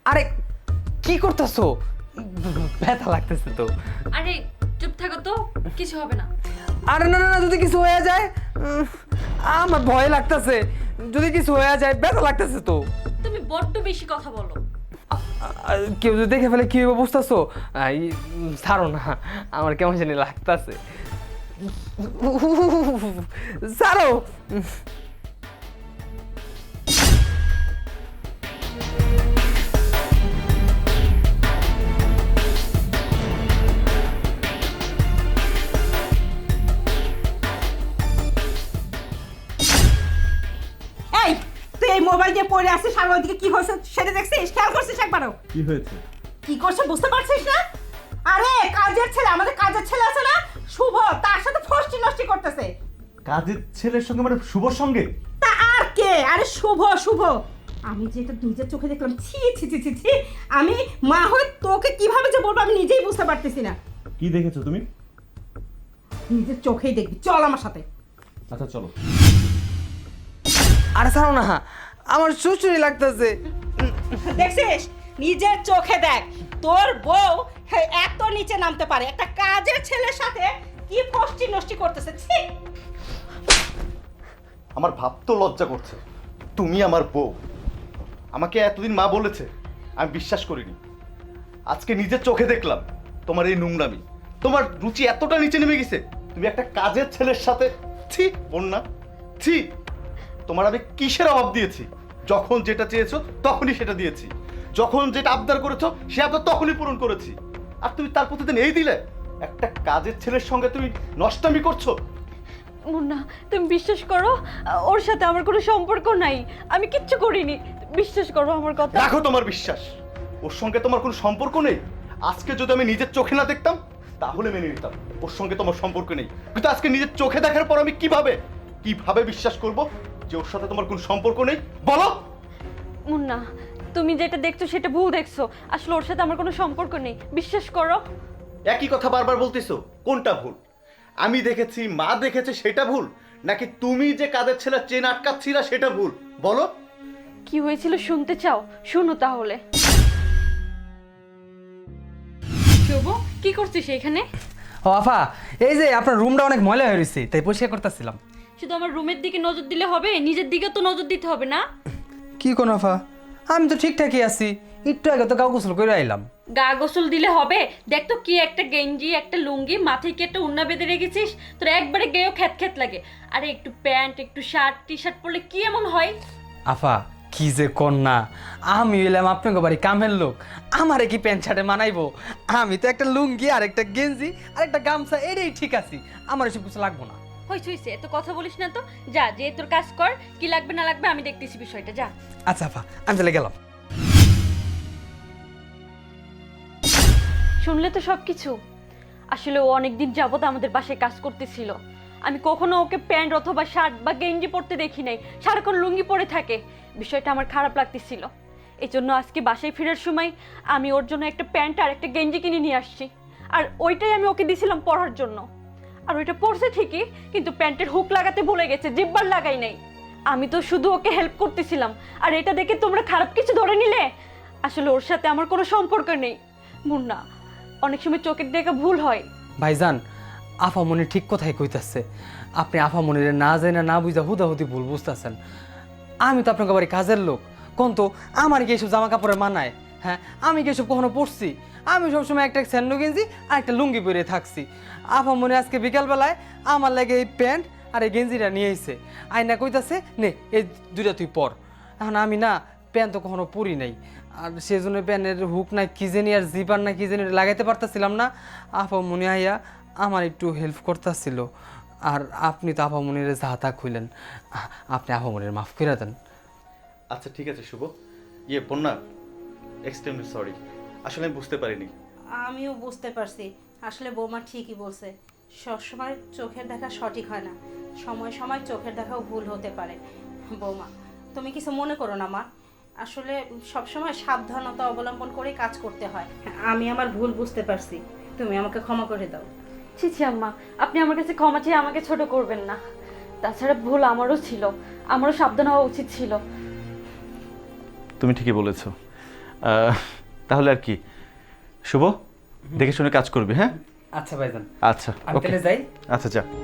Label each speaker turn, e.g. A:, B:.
A: আরে কি করতেছো? ব্যথা লাগতেছে তো।
B: আরে চুপ থাকো তো, কিছু হবে না।
A: আরে না না না, যদি কিছু হয়ে যায় আমার ভয় লাগতেছে। যদি কিছু হয়ে যায় ব্যথা লাগতেছে তো।
B: তুমি বড্ড বেশি কথা বলো।
A: কেউ যদি দেখে ফেলে কি হবে বুঝতেছো? ছাড়ো না, আমার কেমন জানি লাগতেছে। ছাড়ো।
C: এই তুই এই মোবাইল দিয়ে পড়ে আসছিস, সামনের দিকে কি হয়েছে সেটা দেখছিস? খেয়াল করছিস একবারও?
D: কি হয়েছে?
C: কি করছে বুঝতে পারছিস না? আরে কাজের ছেলে, আমাদের কাজের ছেলে আছে না শুভ, তার সাথে ফষ্টি নষ্টি করতেছে।
D: কাজের ছেলের সঙ্গে মানে শুভর সঙ্গে?
C: তা আর কে? আরে শুভ শুভ, আমি যেটা নিজের চোখে দেখলাম, ছি ছি ছি ছি ছি। আমি মা হয়ে তোকে কিভাবে যে বলবো আমি নিজেই বুঝতে পারতেছি না।
D: কি দেখেছো তুমি?
C: নিজের চোখেই দেখবি, চল আমার সাথে।
D: আচ্ছা চলো।
A: আরে ছাড়ো না, আমার চুচুরি লাগতেছে।
C: দেখছিস, নিজের চোখে দেখ, তোর বউ এত নিচে নামতে পারে, একটা কাজের ছেলের সাথে কি ফষ্টি নষ্টি করতেছে। ছি।
E: আমার ভাবতে লজ্জা করছে, তুমি আমার বউ, আমাকে এতদিন মা বলেছে, আমি বিশ্বাস করিনি। আজকে নিজের চোখে দেখলাম তোমার এই নোংরামি, তোমার রুচি এতটা নিচে নেমে গেছে, তুমি একটা কাজের ছেলের সাথে। ছি বন্যা, ছি। তোমার আমি কিসের অভাব দিয়েছি? যখন যেটা চেয়েছো তখনই সেটা দিয়েছি, যখন যেটা আবদার করেছো সে আবদার তখনই পূরণ করেছি। আর তুমি তার প্রতিদিন এই দিলে? একটা কাজের ছেলের সঙ্গে তুমি নষ্টামি করছো।
B: মুন্না, তুমি বিশ্বাস করো, ওর সাথে আমার কোনো সম্পর্ক নাই, আমি কিচ্ছু করিনি। বিশ্বাস করো আমার কথা।
E: রাখো তোমার বিশ্বাস, ওর সঙ্গে তোমার কোনো সম্পর্ক নেই। আজকে যদি আমি নিজের চোখে না দেখতাম তাহলে মেনে নিতাম ওর সঙ্গে তোমার সম্পর্ক নেই, কিন্তু আজকে নিজের চোখে দেখার পর আমি কিভাবে বিশ্বাস করব যে ওর সাথে তোমার কোনো সম্পর্ক নেই? বলো।
B: মুন্না, তুমি যেটা দেখছো সেটা ভুল দেখছো। আসলে ওর সাথে আমার কোনো সম্পর্ক নেই, বিশ্বাস করো।
E: একই কথা বারবার বলতেছো, কোনটা ভুল? আমি দেখেছি, মা দেখেছে, সেটা ভুল, নাকি তুমি যে কাদের ছেলে চেন আটকাচ্ছিলা সেটা ভুল? বলো।
B: কি হয়েছিল শুনতে চাও? শোনো তাহলে। শুভ, কি করছিস এখানে?
A: ও আফা, এই যে আপনার রুমটা অনেক ময়লা হয়ে রয়েছে, তাই পরিষ্কার করতেছিলাম।
B: শুধু আমার রুমের দিকে নজর দিলে হবে? নিজের দিকে তো নজর দিতে হবে না?
A: কি কোন আফা, আমি তো ঠিকঠাকই আছি, একটু আগে তো গাও গোসল করে আইলাম।
B: গা গোসল দিলে হবে? দেখ তো, কি একটা গেঞ্জি, একটা লুঙ্গি, মাথায় কি একটা উন্না বেঁধে রেখেছিস? তোর একবারে গেয়েও খ্যাত খ্যাত লাগে। আরে একটু প্যান্ট, একটু শার্ট, টি শার্ট পরলে কি এমন হয়?
A: আফা কি যে কন্যা, আমি এলাম আপনাকে বাড়ি কামের লোক, আমারে কি প্যান্ট শার্টে মানাইবো? আমি তো একটা লুঙ্গি আর একটা গেঞ্জি আর একটা গামছা, এটাই ঠিক আছে, আমার এসব কিছু লাগবো না।
B: হইছে, এত কথা বলিস না তো। যা, যে তোর কাজ কর, কি লাগবে না লাগবে আমি দেখতেছি বিষয়টা, যা।
A: আচ্ছা আফা, আমি চলে গেলাম।
B: শুনলে তো সব কিছু। আসলে ও অনেকদিন যাবত আমাদের বাসায় কাজ করতেছিল। আমি কখনো ওকে প্যান্ট অথবা শার্ট বা গেঞ্জি পরতে দেখি নাই, সারাক্ষণ লুঙ্গি পরে থাকে। বিষয়টা আমার খারাপ লাগতেছিল। এই জন্য আজকে বাসায় ফেরার সময় আমি ওর জন্য একটা প্যান্ট আর একটা গেঞ্জি কিনে নিয়ে আসছি। আর ওইটাই আমি ওকে দিছিলাম পরার জন্য। আর ওইটা পরছে ঠিকই, কিন্তু প্যান্টের হুক লাগাতে ভুলে গেছে, জিব্বার লাগাই নাই। আমি তো শুধু ওকে হেল্প করতেছিলাম, আর এটা দেখে তোমরা খারাপ কিছু ধরে নিলে। আসলে ওর সাথে আমার কোনো সম্পর্ক নেই। মুন্না, অনেক সময় চোখের দেখা ভুল হয়।
A: ভাইজান, আফামনি ঠিক কথাই কইতাছে, আপনি আফামনিরে না জানি না বুঝা হুদাহুদি ভুল বুঝতেছেন। আমি তো আপনাকে বাড়ি কাজের লোক, কোন তো আমার কি এইসব জামা কাপড়ে মানায়? হ্যাঁ, আমি কি এসব কখনো পরছি? আমি সবসময় একটা স্যান্ডো গেঞ্জি আর একটা লুঙ্গি পরে থাকছি। আফামনি আজকে বিকালবেলায় আমার লাগে এই প্যান্ট আর এই গেঞ্জিটা নিয়ে এসে আয়না কইতাছে, নে এই দুইটা তুই পর। এখন আমি না প্যান্ট তো কখনো পরি নাই, আর সেজন্য প্যান্টের হুক নাই কি জানি আর জিপার না কি জানি লাগাইতে পারতেছিলাম না। আফামনি আইয়া আমার একটু হেল্প করতেছিল, আর আপনি তো আফামনির যাতা খুইলেন, আপনি আফামনির মাফ করে দেন।
E: আচ্ছা ঠিক আছে শুভ, বন্যা, এক্সট্রিমলি সরি, আসলে আমি বুঝতে পারিনি।
C: আমিও বুঝতে পারছি, আসলে বৌমা ঠিকই বলছে, সবসময় চোখের দেখা সঠিক হয় না, সময় সময় চোখের দেখাও ভুল হতে পারে। বৌমা তুমি কিছু মনে করো না মা, আসলে সবসময় সাবধানতা অবলম্বন করে কাজ করতে হয়। আমি আমার ভুল বুঝতে পারছি, তুমি আমাকে ক্ষমা করে দাও।
B: ছি ছি আম্মা, আপনি আমার কাছে ক্ষমা চেয়ে আমাকে ছোট করবেন না। তাছাড়া ভুল আমারও ছিল, আমারও সাবধান হওয়া উচিত ছিল।
E: তুমি ঠিকই বলেছো, তাহলে আর কি শুভ, দেখে শুনে কাজ করবি, হ্যাঁ?
A: আচ্ছা ভাইজান,
E: আচ্ছা,
A: আমি
E: ওকে।
A: তাহলে যাই।
E: আচ্ছা যা।